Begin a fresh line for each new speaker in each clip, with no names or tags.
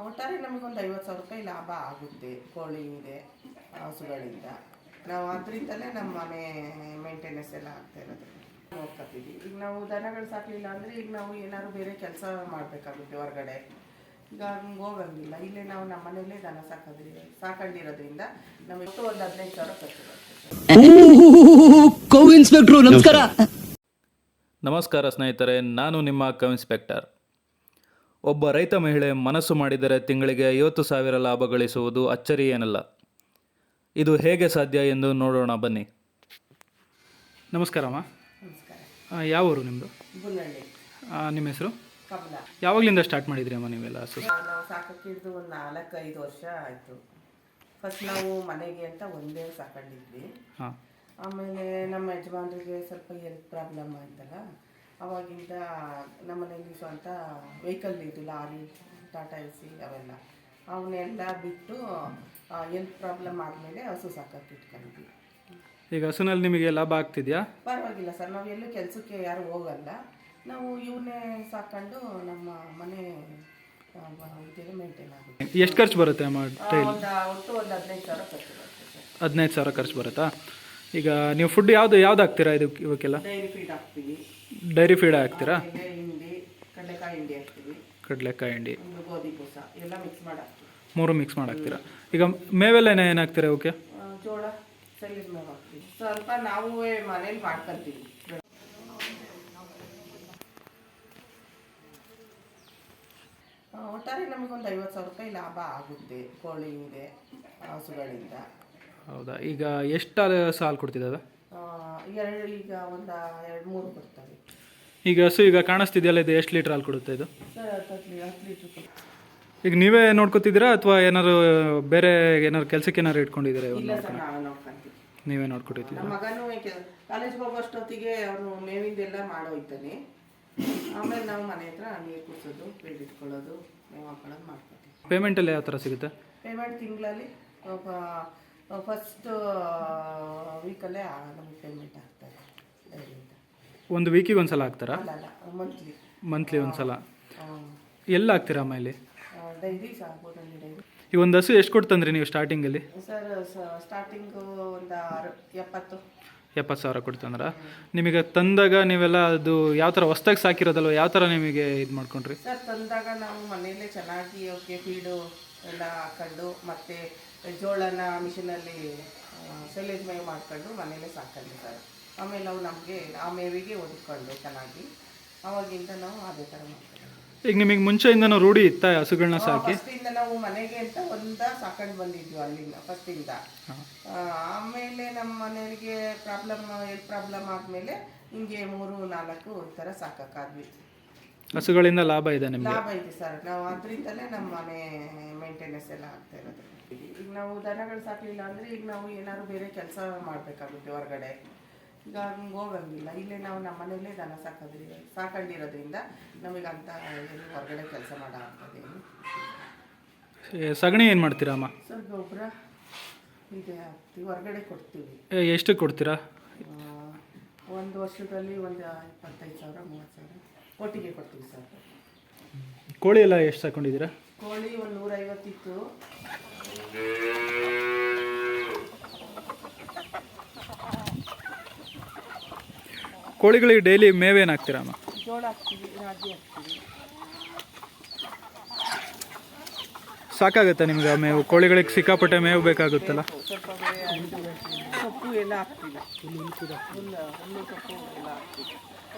ಒಟ್ಟಾರೆ ನಮಗೊಂದು 50,000 ರೂಪಾಯಿ ಲಾಭ ಆಗುತ್ತೆ ಕೋಳಿಯಿಂದ, ಹಸುಗಳಿಂದ. ನಾವು ಅದರಿಂದಲೇ ನಮ್ಮ ಮನೆ ಮೇಂಟೆನೆನ್ಸ್ ಎಲ್ಲ ಆಗ್ತಾ ಇರೋದು ನೋಡ್ಕೊತೀವಿ. ಈಗ ನಾವು ದನಗಳು ಸಾಕಲಿಲ್ಲ ಅಂದರೆ ಈಗ ನಾವು ಏನಾದ್ರು ಬೇರೆ ಕೆಲಸ ಮಾಡಬೇಕಾಗುತ್ತೆ ಹೊರಗಡೆ. ಈಗ ಹಂಗೆ ಹೋಗಂಗಿಲ್ಲ. ಇಲ್ಲೇ ನಾವು ನಮ್ಮ ಮನೆಯಲ್ಲೇ ದನ ಸಾಕೊಂಡಿರೋದ್ರಿಂದ ನಮಗೆ ಒಟ್ಟು ಒಂದು 15,000 ಖರ್ಚು ಬರುತ್ತೆ.
ನಮಸ್ಕಾರ ಸ್ನೇಹಿತರೆ, ನಾನು ನಿಮ್ಮ ಕವ್ ಇನ್ಸ್ಪೆಕ್ಟರ್. ಒಬ್ಬ ರೈತ ಮಹಿಳೆ ಮನಸ್ಸು ಮಾಡಿದರೆ ತಿಂಗಳಿಗೆ 50,000 ಲಾಭ ಗಳಿಸುವುದು ಅಚ್ಚರಿ ಏನಲ್ಲ. ಇದು ಹೇಗೆ ಸಾಧ್ಯ ಎಂದು ನೋಡೋಣ ಬನ್ನಿ. ನಮಸ್ಕಾರಮ್ಮ.
ನಮಸ್ಕಾರ.
ಯಾವ ಊರು ನಿಮ್ಮದು?
ಬುಲ್ಲಳ್ಳಿ.
ನಿಮ್ಮ ಹೆಸರು?
ಕಮಲ.
ಯಾವಾಗಲಿಂದ ಸ್ಟಾರ್ಟ್ ಮಾಡಿದ್ರಿ ಅಮ್ಮ ನೀವೆಲ್ಲ ಹಸು?
ನಾವು ಸಾಕಕ್ಕೆ ಹಿಡಿದು ಒಂದು 4-5 ವರ್ಷ ಆಯಿತು. ಫಸ್ಟ್ ನಾವು ಮನೆಗೆ ಅಂತ ಒಂದೇ ಸಾಕೊಂಡಿದ್ವಿ.
ಹಾಂ.
ಆಮೇಲೆ ನಮ್ಮ ಯಜಮಾನ್ರಿಗೆ ಸ್ವಲ್ಪ ಹೆಲ್ತ್ ಪ್ರಾಬ್ಲಮ್ ಆಯ್ತಲ್ಲ, ಅವಾಗಿಂದ ನಮ್ಮನೇಲಿ ಸ್ವಂತ ವೆಹಿಕಲ್ ಇದು, ಲಾರಿ, ಟಾಟಾ ಎಸಿ ಅವೆಲ್ಲ ಅವನ್ನೆಲ್ಲ ಬಿಟ್ಟು ಹೆಲ್ತ್ ಪ್ರಾಬ್ಲಮ್ ಆದಮೇಲೆ ಹಸು ಸಾಕಕ್ಕೆ ಇಟ್ಕೊಂಡಿದ್ವಿ.
ಈಗ ಹಸುನಲ್ಲಿ ನಿಮಗೆ ಲಾಭ ಆಗ್ತಿದೆಯಾ?
ಪರವಾಗಿಲ್ಲ ಸರ್, ನಾವು ಎಲ್ಲೂ ಕೆಲಸಕ್ಕೆ ಯಾರು ಹೋಗಲ್ಲ. ನಾವು ಇವನ್ನೇ ಸಾಕೊಂಡು ನಮ್ಮ ಮನೆ ಇದೆಲ್ಲ ಮೇಂಟೈನ್ ಆಗುತ್ತೆ.
ಎಷ್ಟು ಖರ್ಚು ಬರುತ್ತೆ ಅಮ್ಮ?
ಒಟ್ಟು ಒಂದು 15,000 ಖರ್ಚು ಬರುತ್ತೆ ಸರ್.
15,000 ಖರ್ಚು ಬರುತ್ತಾ? ಈಗ ನೀವು ಫುಡ್ ಯಾವ್ದು ಹಾಕ್ತೀರಾ ಇವಕ್ಕೆಲ್ಲ?
ಡೈರಿ ಫೀಡ್ ಹಾಕ್ತೀವಿ.
ಡೈರಿ ಫೀಡ್ ಹಾಕ್ತೀರಾ?
ಹಿಂಡಿ, ಕಡಲೆಕಾಯಿ ಹಿಂಡಿ ಹಾಕ್ತೀವಿ.
ಕಡಲೆಕಾಯಿ ಹಿಂಡಿ,
ಗೋಧಿ ಬೂಸ ಎಲ್ಲ ಮಿಕ್ಸ್ ಮಾಡಿ ಹಾಕ್ತೀವಿ.
3 ಮಿಕ್ಸ್ ಮಾಡಿ ಹಾಕ್ತೀರಾ? ಈಗ ಮೇವೆಲ್ಲ ಏನು ಹಾಕ್ತೀರಾ ಇವಕ್ಕೆ?
ಜೋಳ, ಸೆಲ್ಲಿದ ಮೇವು ಹಾಕ್ತೀವಿ. ಸ್ವಲ್ಪ ನಾವು ಮನೇಲಿ ಮಾಡ್ಕೊತೀವಿ. ಒಟ್ಟಾರೆ ನಮಗೊಂದು 50,000 ರೂಪಾಯಿ ಲಾಭ ಆಗುತ್ತೆ ಕೋಳಿಯಿಂದ, ಹಸುಗಳಿಂದ.
ಹೌದಾ? ಈಗ ಎಷ್ಟು ಹಾಲು ಕೊಡ್ತಿದ್ದಾವೆ?
ಈಗ ಒಂದು 2-3 ಬರ್ತವೆ.
ಈಗ ಹಸು ಈಗ ಕಾಣಿಸ್ತಿದೆಯಲ್ಲ, ಇದು ಎಷ್ಟು ಲೀಟ್ರ್ ಹಾಲು ಕೊಡುತ್ತೆ ಇದು?
Sir 10 litre.
ಈಗ ನೀವೇ ನೋಡ್ಕೊತಿದ್ದೀರಾ ಅಥವಾ ಏನಾದ್ರು ಬೇರೆ ಏನಾದ್ರು ಕೆಲಸಕ್ಕೆ ಏನಾದ್ರು ಇಟ್ಕೊಂಡಿದ್ದೀರಾ?
ಇಲ್ಲ ಸರ್, ನಾವೇ ನೋಡ್ಕೊಂತೀವಿ.
ನೀವೇ ನೋಡ್ಕೊಟ್ಟಿದ್ದೀರಾ?
ನಮ್ಮ ಮಗನೂ ಕಾಲೇಜ್ಗೆ ಹೋಗೋಷ್ಟೊತ್ತಿಗೆ ಅವನು ಮೇವಿಂದೆಲ್ಲ ಮಾಡೋಯ್ತಾನೆ. ಆಮೇಲೆ ನಾವು ಮನೆ ಹತ್ರ ನೀರು ಕುಡಿಸೋದು, ಫೀಡ್ ಇಟ್ಕೊಳ್ಳೋದು, ಮೇವು ಹಾಕೊಳ್ಳೋದು ಮಾಡ್ಕೊತೀವಿ.
ಪೇಮೆಂಟೆಲ್ಲ ಯಾವ ಥರ ಸಿಗುತ್ತೆ?
ಪೇಮೆಂಟ್ ತಿಂಗಳಲ್ಲಿ ಫಸ್ಟ್ ವೀಕಲ್ಲೇ ನಮಗೆ ಪೇಮೆಂಟ್ ಆಗ್ತಾರೆ.
ಒಂದು ವೀಕಿಗೆ ಒಂದು ಸಲ ಹಾಕ್ತಾರಾ?
ಅಲ್ಲ,
ಮಂತ್ಲಿ ಒಂದು ಸಲ. ಎಲ್ಲ ಹಾಕ್ತೀರಾ ಅಮ್ಮ ಇಲ್ಲಿ?
ಡೈರಿ ಸಾಕ್ಬೋದಲ್ಲಿ ಡೈರಿ.
ಈ ಒಂದು ಹಸು ಎಷ್ಟು ಕೊಡ್ತಂದ್ರಿ ನೀವು ಸ್ಟಾರ್ಟಿಂಗಲ್ಲಿ?
ಸರ್ ಸ್ಟಾರ್ಟಿಂಗು ಒಂದು
70,000 ಕೊಡ್ತಂದ್ರ? ನಿಮಗೆ ತಂದಾಗ ನೀವೆಲ್ಲ ಅದು ಯಾವ ಥರ ಹೊಸ್ದಾಗಿ ಸಾಕಿರೋದಲ್ವ, ಯಾವ ಥರ ನಿಮಗೆ ಇದು ಮಾಡ್ಕೊಂಡ್ರಿ?
ಸರ್ ತಂದಾಗ ನಾವು ಮನೆಯಲ್ಲೇ ಚೆನ್ನಾಗಿ ಅವಕ್ಕೆ ಫೀಡು ಎಲ್ಲ ಹಾಕೊಂಡು ಮತ್ತು ಜೋಳನ ಮಿಷಿನಲ್ಲಿ ಸೈಲೇಜ್ ಮೇವು ಮಾಡ್ಕೊಂಡು ಮನೆಯಲ್ಲೇ ಸಾಕೊಂಡು ಸರ್. ಆಮೇಲೆ ನಾವು ನಮಗೆ ಆ ಮೇವಿಗೆ ಒದ್ಕೊಂಡು ಚೆನ್ನಾಗಿ ಅವಾಗಿಂದ ನಾವು ಅದೇ ಥರ ಮಾಡ್ಕೊಂಡು.
ಈಗ ನಿಮಗೆ ಮುಂಚೆಯಿಂದನೂ ರೂಢಿ ಇತ್ತ ಹಸುಗಳನ್ನ ಸಾಕಿ?
ಫಸ್ಟಿಂದ ನಾವು ಮನೆಗೆ ಅಂತ ಸಾಕೊಂಡು ಬಂದಿದ್ವಿ ಅಲ್ಲಿಂದ ಫಸ್ಟಿಂದ. ಆಮೇಲೆ ನಮ್ಮ ಮನೆಯವರಿಗೆ ಹೆಲ್ತ್ ಪ್ರಾಬ್ಲಮ್ ಆದಮೇಲೆ ಹಿಂಗೆ 3-4 ಈ ಥರ ಸಾಕಾದ್ವಿ.
ಹಸುಗಳಿಂದ ಲಾಭ ಇದೆ ನಿಮಗೆ?
ಲಾಭ ಇದೆ ಸರ್. ನಾವು ಅದರಿಂದಲೇ ನಮ್ಮ ಮನೆ ಮೇಂಟೆನೆನ್ಸ್ ಎಲ್ಲ ಆಗ್ತಾ ಇರೋದು. ಈಗ ನಾವು ದನಗಳು ಸಾಕಲಿಲ್ಲ ಅಂದರೆ ಈಗ ನಾವು ಏನಾದ್ರು ಬೇರೆ ಕೆಲಸ ಮಾಡಬೇಕಾಗುತ್ತೆ ಹೊರಗಡೆ. ಈಗ ಹಂಗೆ ಹೋಗಂಗಿಲ್ಲ. ಇಲ್ಲೇ ನಾವು ನಮ್ಮ ಮನೆಯಲ್ಲೇ ದನ ಸಾಕೊಂಡಿರೋದ್ರಿಂದ ನಮಗಂತ ಹೊರಗಡೆ ಕೆಲಸ ಮಾಡೋ ಆಗ್ತದೆ.
ಸಗಣಿ ಏನು ಮಾಡ್ತೀರಾ ಅಮ್ಮ?
ಸರ್ ಗೊಬ್ಬರ ಇದೆ ಹಾಕ್ತೀವಿ, ಹೊರಗಡೆ ಕೊಡ್ತೀವಿ.
ಎಷ್ಟು ಕೊಡ್ತೀರಾ?
ಒಂದು ವರ್ಷದಲ್ಲಿ ಒಂದು 25,000-30,000 ಒಟ್ಟಿಗೆ ಕೊಡ್ತೀವಿ ಸರ್.
ಕೋಳಿ ಎಲ್ಲ ಎಷ್ಟು ಸಾಕೊಂಡಿದ್ದೀರಾ?
ಕೋಳಿ ಒಂದು 150 ಇತ್ತು.
ಕೋಳಿಗಳಿಗೆ ಡೈಲಿ ಮೇವೇನು ಹಾಕ್ತೀರಾ ಅಮ್ಮ?
ಜೋಳ ಹಾಕ್ತೀವಿ, ರಾಗಿ ಹಾಕ್ತೀವಿ.
ಸಾಕಾಗುತ್ತೆ ನಿಮ್ಗೆ ಮೇವು? ಕೋಳಿಗಳಿಗೆ ಸಿಕ್ಕಾಪಟ್ಟೆ ಮೇವು ಬೇಕಾಗುತ್ತಲ್ಲ?
ಸ್ವಲ್ಪ ಸೊಪ್ಪು ಎಲ್ಲ ಹಾಕ್ತೀವಿ, ಹುಲ್ಲು ಸೊಪ್ಪು ಎಲ್ಲ ಹಾಕ್ತೀವಿ.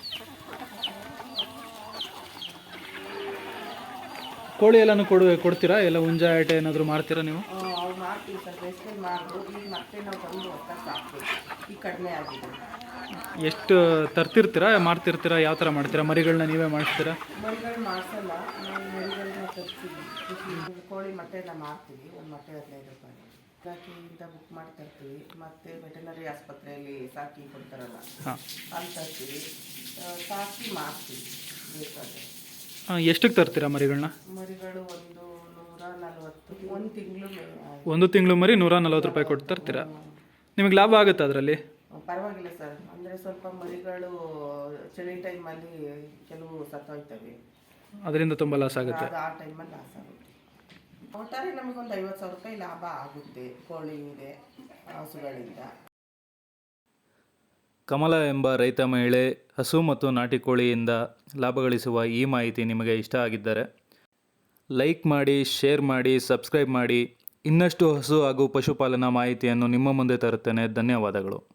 ಕೋಳಿ ಎಲ್ಲನೂ ಕೊಡ್ತೀರಾ? ಎಲ್ಲ ಹುಂಜಾಟೆ ಏನಾದರೂ ಮಾಡ್ತೀರಾ ನೀವು?
ಅವ್ರು ಮಾಡ್ತೀವಿ ಸರ್, ಬೇಸಿಗೆ ಮಾಡಿದ್ರು. ಈಗ ಮತ್ತೆ ನಾವು ತಂದು ಹೊತ್ತಾಗಿ ಸಾಕ್ತೀವಿ. ಈಗ ಕಡಿಮೆ ಆಗಿದೆ.
ಎಷ್ಟು ತರ್ತಿರ್ತೀರಾ, ಮಾಡ್ತಿರ್ತೀರಾ? ಯಾವ ಥರ ಮಾಡ್ತೀರಾ? ಮರಿಗಳನ್ನ ನೀವೇ ಮಾಡಿಸ್ತೀರಾ?
ಮರಿಗಳು ಮಾಡಿಸಲ್ಲ, ನಾವು ಮರಿಗಳನ್ನ ತರ್ತೀವಿ. ಕೋಳಿ ಮೊಟ್ಟೆ ಎಲ್ಲ ಮಾರ್ತೀವಿ. ಒಂದು ಮೊಟ್ಟೆ 15 ರೂಪಾಯಿ ಸಾಕಿಯಿಂದ ಬುಕ್ ಮಾಡಿ ತರ್ತೀವಿ. ಮತ್ತು ವೆಟನರಿ ಆಸ್ಪತ್ರೆಯಲ್ಲಿ ಸಾಕಿ ಕೊಡ್ತಾರಲ್ಲ, ಅಲ್ಲಿ ತರ್ತೀವಿ. ಸಾಕಿ ಮಾರ್ತೀವಿ ಬೇಕಾದರೆ.
ಎಷ್ಟಕ್ಕೆ ತರ್ತೀರಾ ಮರಿಗಳನ್ನ?
ಮರಿಗಳು ಒಂದು 140, ಒಂದು ತಿಂಗಳು.
ಒಂದು ತಿಂಗಳು ಮರಿ 140 ರೂಪಾಯಿ ಕೊಟ್ಟು ತರ್ತೀರಾ? ನಿಮಗೆ ಲಾಭ ಆಗುತ್ತೆ ಅದರಲ್ಲಿ?
ಪರವಾಗಿಲ್ಲ ಸರ್. ಅಂದರೆ ಸ್ವಲ್ಪ ಮರಿಗಳು ಚಳಿ ಟೈಮಲ್ಲಿ ಕೆಲವು ಸತ್ತೋಯ್ತವೆ,
ಅದರಿಂದ ತುಂಬ ಲಾಸ್ ಆಗುತ್ತೆ.
ಆ ಟೈಮಲ್ಲಿ ಲಾಸ್ ಆಗುತ್ತೆ. ಒಟ್ಟಾರೆ ನಮಗೊಂದು 50,000 ರೂಪಾಯಿ ಲಾಭ ಆಗುತ್ತೆ ಕೋಳಿಯಿಂದ, ಹಸುಗಳಿಂದ.
ಕಮಲ ಎಂಬ ರೈತ ಮಹಿಳೆ ಹಸು ಮತ್ತು ನಾಟಿ ಕೋಳಿಯಿಂದ ಲಾಭ ಗಳಿಸುವ ಈ ಮಾಹಿತಿ ನಿಮಗೆ ಇಷ್ಟ ಆಗಿದ್ದರೆ ಲೈಕ್ ಮಾಡಿ, ಶೇರ್ ಮಾಡಿ, ಸಬ್ಸ್ಕ್ರೈಬ್ ಮಾಡಿ. ಇನ್ನಷ್ಟು ಹಸು ಹಾಗೂ ಪಶುಪಾಲನಾ ಮಾಹಿತಿಯನ್ನು ನಿಮ್ಮ ಮುಂದೆ ತರುತ್ತೇನೆ. ಧನ್ಯವಾದಗಳು.